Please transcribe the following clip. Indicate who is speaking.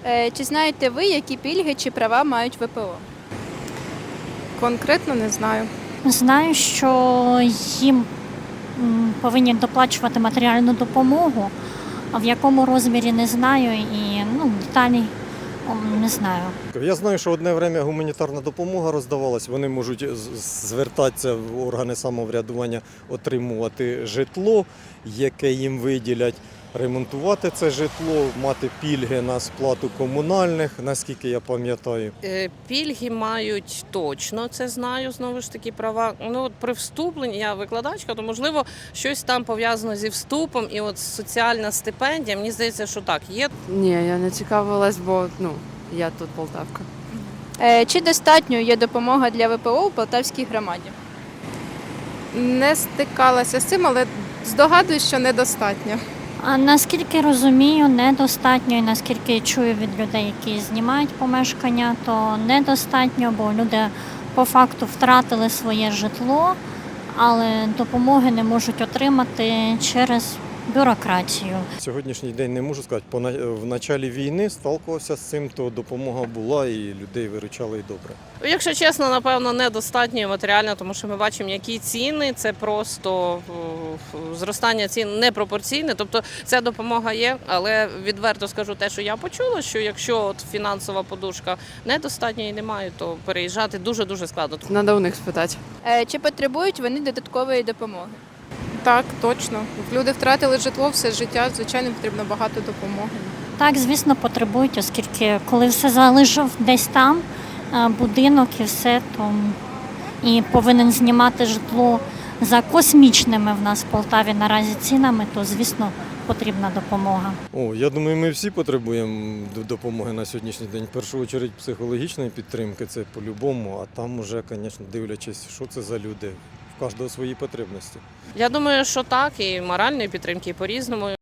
Speaker 1: Чи знаєте ви, які пільги чи права мають ВПО?
Speaker 2: Конкретно не знаю.
Speaker 3: Знаю, що їм повинні доплачувати матеріальну допомогу, а в якому розмірі не знаю і деталі не знаю.
Speaker 4: Я знаю, що одне время гуманітарна допомога роздавалась. Вони можуть звертатися в органи самоврядування, отримувати житло, яке їм виділять, ремонтувати це житло, мати пільги на сплату комунальних, наскільки я пам'ятаю.
Speaker 5: Пільги мають точно, це знаю, знову ж таки, права. От при вступленні, я викладачка, то, можливо, щось там пов'язано зі вступом і от соціальна стипендія, мені здається, що так, є.
Speaker 2: Ні, я не цікавилась, бо я тут полтавка.
Speaker 1: Чи достатньо є допомога для ВПО у Полтавській громаді?
Speaker 2: Не стикалася з цим, але здогадуюсь, що недостатньо.
Speaker 3: А наскільки розумію, недостатньо, і наскільки чую від людей, які знімають помешкання, то недостатньо, бо люди по факту втратили своє житло, але допомоги не можуть отримати через бюрократію.
Speaker 4: Сьогоднішній день не можу сказати, в началі війни сталкувався з цим, то допомога була і людей виручали і добре.
Speaker 5: Якщо чесно, напевно, недостатньо матеріально, тому що ми бачимо, які ціни, це просто зростання цін непропорційне. Тобто ця допомога є, але відверто скажу те, що я почула, що якщо от фінансова подушка недостатньо і немає, то переїжджати дуже-дуже складно.
Speaker 2: Надо у них спитати.
Speaker 1: Чи потребують вони додаткової допомоги?
Speaker 2: Так, точно. Люди втратили житло все життя, звичайно, потрібно багато допомоги.
Speaker 3: Так, звісно, потребують, оскільки коли все залишив десь там, будинок і все, то і повинен знімати житло за космічними в нас в Полтаві наразі цінами, то, звісно, потрібна допомога.
Speaker 4: Я думаю, ми всі потребуємо допомоги на сьогоднішній день. В першу чергу психологічної підтримки, це по-любому, а там уже, звісно, дивлячись, що це за люди. В кожного свої потребності.
Speaker 5: Я думаю, що так, і моральної підтримки, і по-різному.